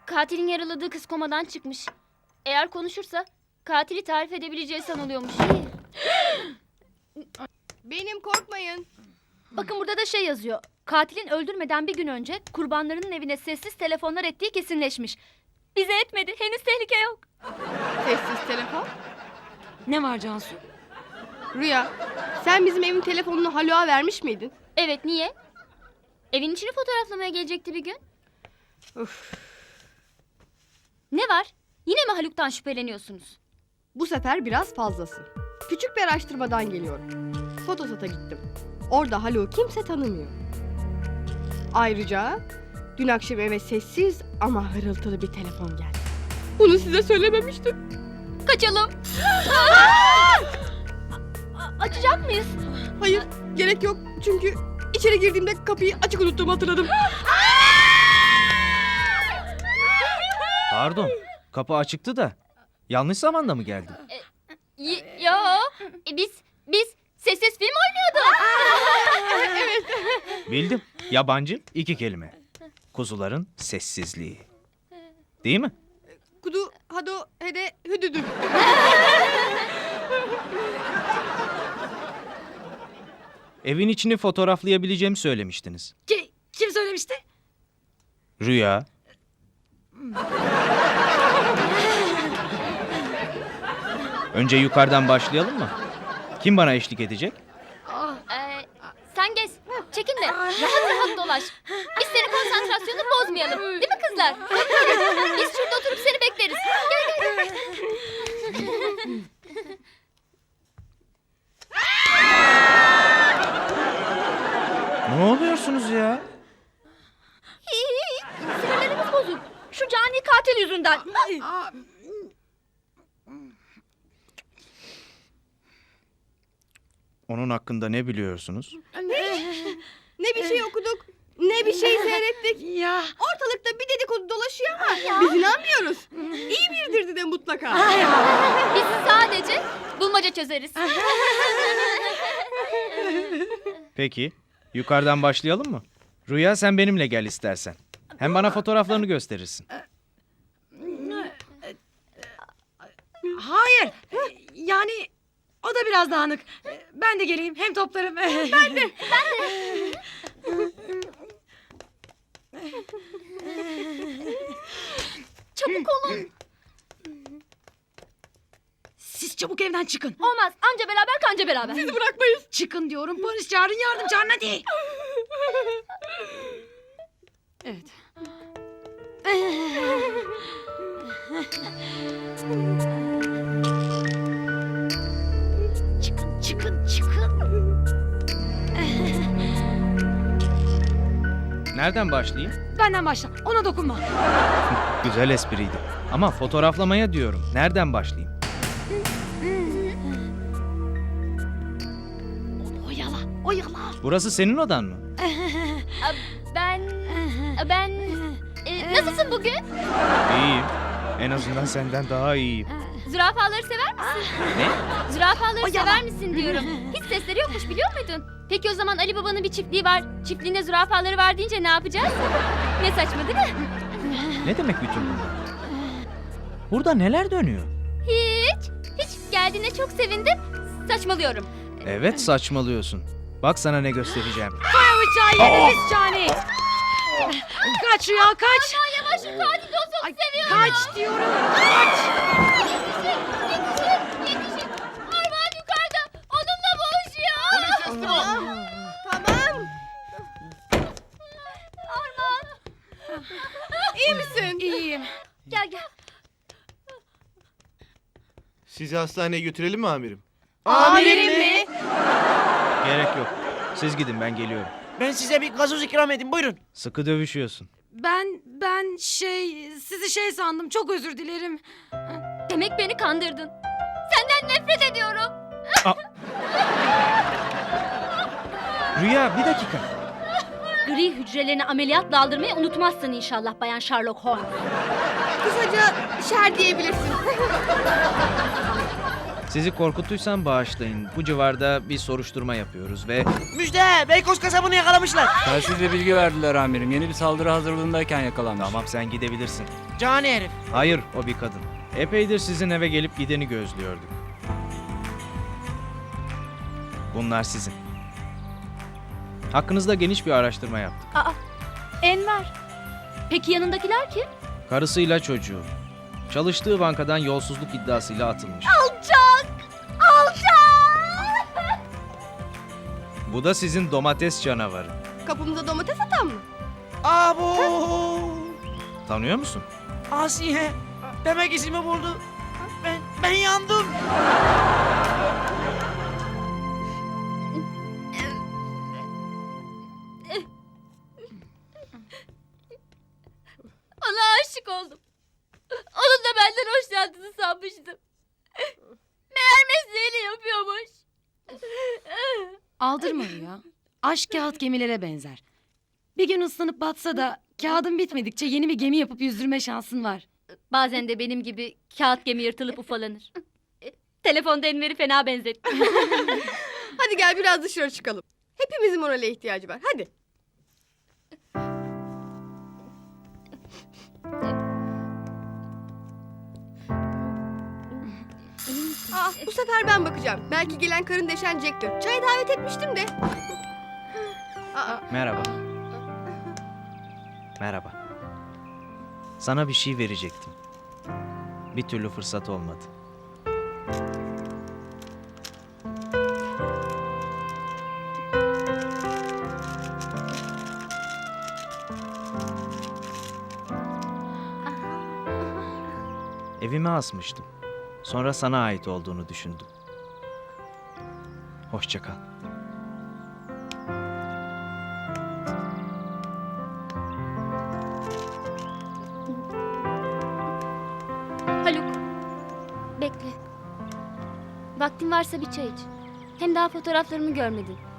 Katilin yaraladığı kız komadan çıkmış. Eğer konuşursa katili tarif edebileceği sanılıyormuş. Benim, korkmayın. Bakın burada da şey yazıyor. Katilin öldürmeden bir gün önce kurbanlarının evine sessiz telefonlar ettiği kesinleşmiş. Bize etmedi. Henüz tehlike yok. Sessiz telefon. Ne var Cansu? Rüya, sen bizim evin telefonunu Haluk'a vermiş miydin? Evet, niye? Evin içini fotoğraflamaya gelecekti bir gün. Öf. Ne var? Yine mi Haluk'tan şüpheleniyorsunuz? Bu sefer biraz fazlası. Küçük bir araştırmadan geliyorum. Fotosat'a gittim. Orada Haluk'u kimse tanımıyor. Ayrıca dün akşam eve sessiz ama hırıltılı bir telefon geldi. Bunu size söylememiştim. Kaçalım. Açacak mıyız? Hayır, gerek yok. Çünkü içeri girdiğimde kapıyı açık unuttuğumu hatırladım. Pardon, kapı açıktı da. Yanlış zamanda mı geldim? Yo. Biz sessiz film oynuyorduk. Bildim. Yabancı 2 kelime. Kuzuların sessizliği. Değil mi? Kudu, hado, hede, hüdüdü. Evin içini fotoğraflayabileceğimi söylemiştiniz. Kim söylemişti? Rüya. Önce yukarıdan başlayalım mı? Kim bana eşlik edecek? Sen gez. Çekin de rahat rahat dolaş. Biz senin konsantrasyonunu bozmayalım. Değil mi kızlar? Biz şurada oturup seni bekleriz. Gel. Ne oluyorsunuz ya? Sinirlerimiz bozuk. Şu cani katil yüzünden. Onun hakkında ne biliyorsunuz? Ne bir şey okuduk, ne bir şey seyrettik. Ya. Ortalıkta bir dedikodu dolaşıyor ama biz inanmıyoruz. İyi biridir de mutlaka. Biz sadece bulmaca çözeriz. Peki, yukarıdan başlayalım mı? Rüya sen benimle gel istersen. Hem bana fotoğraflarını gösterirsin. Hayır. Yani o da biraz dağınık. Ben de geleyim. Hem toplarım. Ben de. Çabuk olun. Siz çabuk evden çıkın. Olmaz. Anca beraber kanca beraber. Bizi bırakmayız. Çıkın diyorum. Polis çağırın, yardım çağırın hadi. Evet. Çıkın. Nereden başlayayım? Benden başla. Ona dokunma. Güzel espriydi. Ama fotoğraflamaya diyorum. Nereden başlayayım? Onu oyala. Burası senin odan mı? Ben... nasılsın bugün? İyiyim. En azından senden daha iyiyim. Zürafaları sever misin? Ne? Zürafaları sever misin diyorum. Hiç sesleri yokmuş, biliyor muydun? Peki o zaman Ali Baba'nın bir çiftliği var. Çiftliğinde zürafaları var deyince ne yapacağız? Ne saçma değil mi? Ne demek bütün bunlar? Burada neler dönüyor? Hiç geldiğine çok sevindim. Saçmalıyorum. Evet, saçmalıyorsun. Bak sana ne göstereceğim. Bıçağı yediniz cani. Kaç Rüya kaç. Yavaş, katil dostum Ay, seviyorum. kaç diyorum. Kaç. Yetişin. Armağan yukarıda. Onunla boğuşuyor. Tamam. Armağan. İyi misin? İyiyim. Gel. Sizi hastaneye götürelim mi amirim? Amirim mi? Gerek yok. Siz gidin, ben geliyorum. Ben size bir gazoz ikram edeyim, buyurun. Sıkı dövüşüyorsun. Ben sizi sandım. Çok özür dilerim. Demek beni kandırdın. Senden nefret ediyorum. Rüya, bir dakika. Gri hücrelerini ameliyatla aldırmayı unutmazsın inşallah Bayan Sherlock Holmes. Kısaca şer diyebilirsin. Sizi korkuttuysam bağışlayın. Bu civarda bir soruşturma yapıyoruz ve... Müjde! Beykoz kasabını yakalamışlar. Telsizle bilgi verdiler amirim. Yeni bir saldırı hazırlığındayken yakalanmış. Tamam, sen gidebilirsin. Cani herif. Hayır, o bir kadın. Epeydir sizin eve gelip gideni gözlüyorduk. Bunlar sizin. Hakkınızda geniş bir araştırma yaptık. Aa, Enver. Peki yanındakiler kim? Karısıyla çocuğu. Çalıştığı bankadan yolsuzluk iddiasıyla atılmış. Alçak! Alçak! Bu da sizin domates canavarı. Kapımıza domates atan mı? Abo! Tanıyor musun? Asiye. Demek izimi buldu. Ben yandım. Ona aşık oldum. Onun da benden hoşlandığını sanmıştım. Meğer mesleğini yapıyormuş. Aldırma Rüya. Aşk kağıt gemilere benzer. Bir gün ıslanıp batsa da kağıdın bitmedikçe yeni bir gemi yapıp yüzdürme şansın var. Bazen de benim gibi kağıt gemi yırtılıp ufalanır. Telefonda Enver'i fena benzetti. Hadi gel biraz dışarı çıkalım. Hepimizin morale ihtiyacı var. Hadi. Bu sefer ben bakacağım. Belki gelen karın deşen Jack'tir. Çaya davet etmiştim de. Merhaba. Merhaba. Sana bir şey verecektim. Bir türlü fırsat olmadı. Evime asmıştım. Sonra sana ait olduğunu düşündüm. Hoşça kal. Haluk. Bekle. Vaktin varsa bir çay iç. Hem daha fotoğraflarımı görmedin.